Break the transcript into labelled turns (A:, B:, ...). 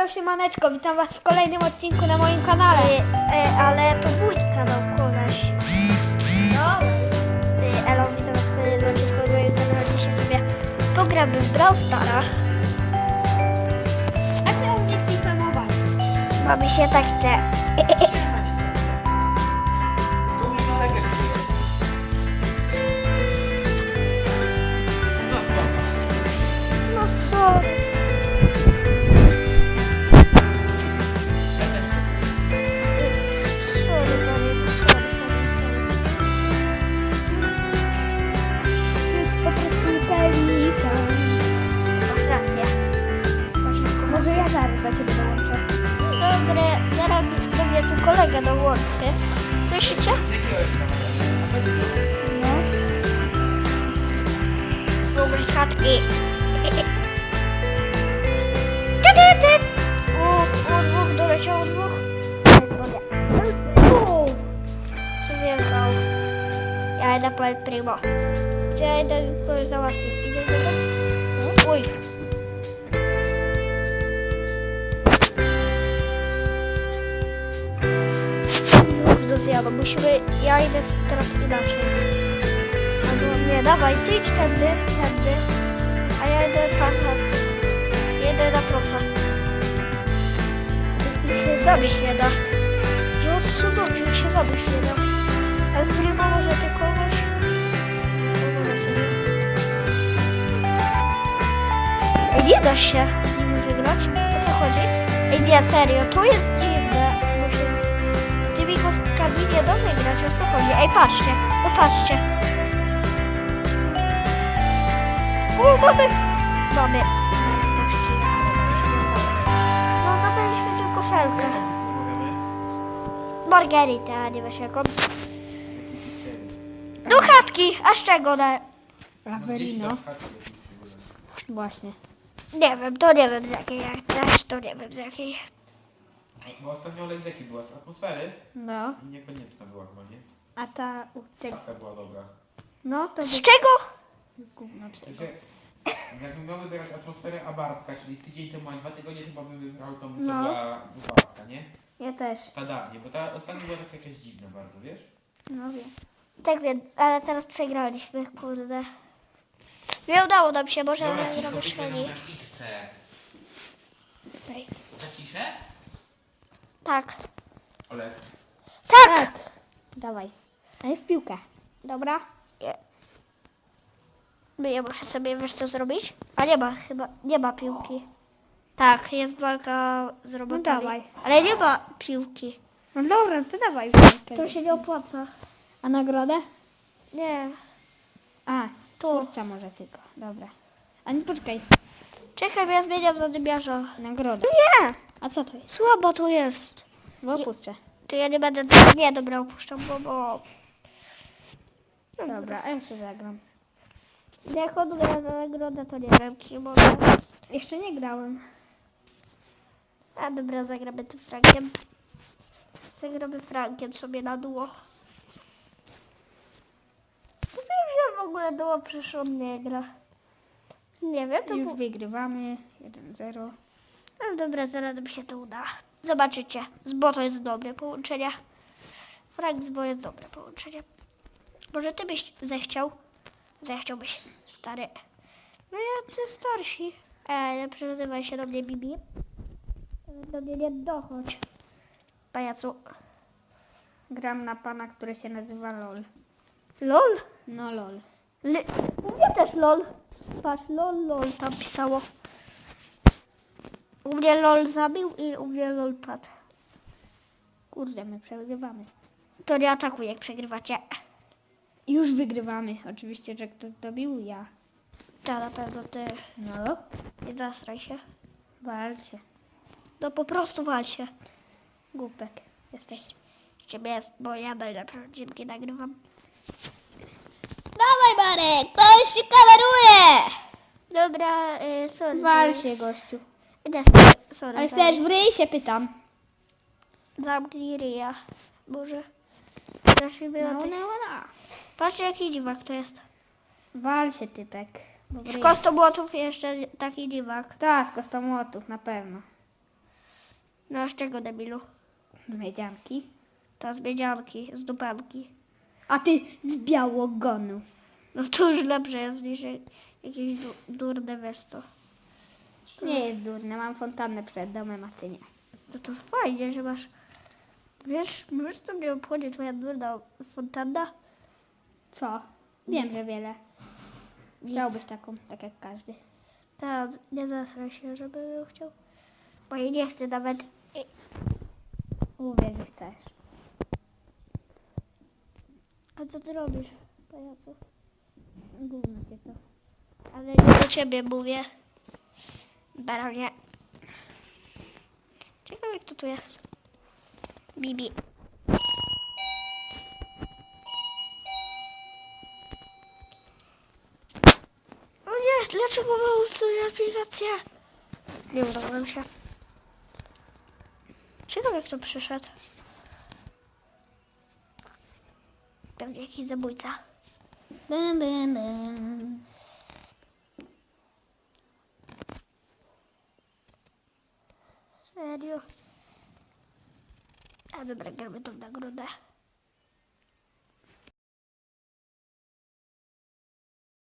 A: Siemaneczko, witam was w kolejnym odcinku na moim kanale.
B: Ale to mój kanał, koleś.
A: No.
B: Elo, witam was w kolejnym odcinku na moim kanale. Dzisiaj sobie pogramy w Brawl Stara.
A: A ty u mnie FIFA Mobile.
B: Bo mi się tak chce. No sorry.
A: Jest po prostu pelika.
B: Masz rację.
A: Może ja zaraz do ciebie dołączę.
B: Dobre, zaraz do mnie tu kolega dołączy. Słyszycie?
A: No.
B: Dobry chatki. U dwóch doleciało dwóch. Przyjechał. Ja idę po El Primo. Ja idę kogoś załatwić. Idę do tego? Uj. Do zjadu. Musimy... Ja idę teraz inaczej. Albo nie, dawaj, ty idź tędy. A ja idę patrzeć. Jedę na prosa. Się zabić nie da. Jo, to są dobrze, jak się zabić nie da. Ale Primo może ty kogoś... Pozwolę sobie. Ej, nie da się z nimi wygrać. O co chodzi? Ej, nie, serio, to jest dziwne. Bo się z tymi kostkami nie da wygrać. O co chodzi? Ej, patrzcie, no patrzcie. Mamy. No, zdobyliśmy tylko szelkę. Margaritę, a nie wiesz jaką. Do chatki, a z czego na...
A: Averino. Właśnie.
B: Nie wiem, to nie wiem z jakiej, też to nie wiem z jakiej.
C: Bo ostatnio olej z jakiej była? Z atmosfery?
A: No.
C: I niekonieczna była chyba, nie?
A: A ta u tego.
C: Taka była dobra.
A: No to
B: Z
A: by...
B: czego?
A: Gówno przecież.
C: Także jakbym miał wybierać atmosferę, a Bartka, czyli tydzień temu, a 2 tygodnie temu bym wybrał tą, co
A: No.
C: była u Bartka, nie?
A: Ja też.
C: Ta dawniej, bo ta ostatnia była taka jakaś dziwna bardzo, wiesz?
A: No wiem.
B: Tak wiem, ale teraz przegraliśmy, kurde. Nie udało nam się, może
C: Dobra,
B: ale
C: cicho,
B: robię
C: wyślę
B: średni.
C: na itce. Zaciszę?
B: Tak.
C: Olek.
B: Tak!
A: Dawaj. A jest piłka.
B: Dobra. Ja muszę sobie, wiesz co zrobić? A nie ma chyba, nie ma piłki. Tak, jest walka z robotami.
A: dawaj.
B: Ale nie ma piłki.
A: No dobra, to dawaj.
B: To się nie opłaca.
A: A nagrodę?
B: Nie.
A: A,
B: Tu.
A: twórca może tylko. Dobra. A nie poczekaj.
B: Czekaj, ja zmieniam zadymiarza.
A: Nagroda.
B: Nie!
A: A co to jest?
B: Słabo to jest.
A: Bo puszczę.
B: To ja nie będę... Nie, dobra, opuszczam, bo...
A: Dobra, a ja sobie zagram.
B: Jak on gra na nagrodę, to nie wiem, kim może.
A: Jeszcze nie grałem.
B: A dobra, zagramy tym Frankiem. Zagramy Frankiem sobie na duo. To ja w ogóle duo, przecież on nie gra. Nie wiem, to
A: Już
B: było...
A: wygrywamy. 1-0.
B: No dobra, zaraz mi się to uda. Zobaczycie, z Bo to jest dobre połączenie. Frank z Bo jest dobre połączenie. Może ty byś zechciałbyś, stary. No jacy starsi. Nie przezywaj się do mnie, Bibi. Do mnie nie dochodź. Pajacu.
A: Gram na pana, który się nazywa LOL.
B: LOL?
A: No LOL.
B: U mnie też LOL. Patrz, LOL tam pisało. U mnie LOL zabił i u mnie LOL padł.
A: Kurde, my przegrywamy.
B: To nie atakuj, jak przegrywacie.
A: Już wygrywamy. Oczywiście, że ktoś dobił ja.
B: To na pewno ty.
A: No,
B: Nie zastraj się.
A: wal się.
B: No po prostu wal się.
A: Głupek jesteś.
B: Z ciebie jest, bo ja najlepsze odcinki nagrywam. Dawaj Marek, ktoś się kameruje! Dobra, sorry.
A: Wal się, gościu.
B: Nie, sorry.
A: Ale chcesz w ryj się pytam.
B: Zamknij ryja. Boże. Zacznijmy
A: No,
B: od
A: no,
B: tych.
A: no.
B: Patrzcie jaki dziwak to jest.
A: Wal się, typek. Bo w
B: Z
A: ryj.
B: kostomłotów jeszcze taki dziwak.
A: Tak, z kostomłotów, na pewno.
B: No a z czego, debilu?
A: Miedzianki.
B: To z miedzianki, z dupanki.
A: A ty z białogonu.
B: No to już lepsze jest niż jakieś durne wiesz co.
A: Nie jest durne, mam fontannę przed domem, a ty nie.
B: No to fajnie, że masz... Wiesz co mnie obchodzi twoja durna fontanna?
A: Co? Wiem, że wiele. Chciałbyś taką, tak jak każdy.
B: Tak, nie zasraj się, żeby ją chciał. Bo jej nie chcę nawet...
A: Uwierz, że chcesz.
B: A co ty robisz, pajacu?
A: Gówno cię to.
B: Ale nie do ciebie mówię. Baronie. Ciekawe kto tu jest. Bibi. O nie, dlaczego mam sobie aplikację? Nie udało mi się. Ciekawe kto przyszedł. Pewnie jakiś zabójca.
A: Bum, bum, bum.
B: Serio? A dobra, gramy tą nagrodę.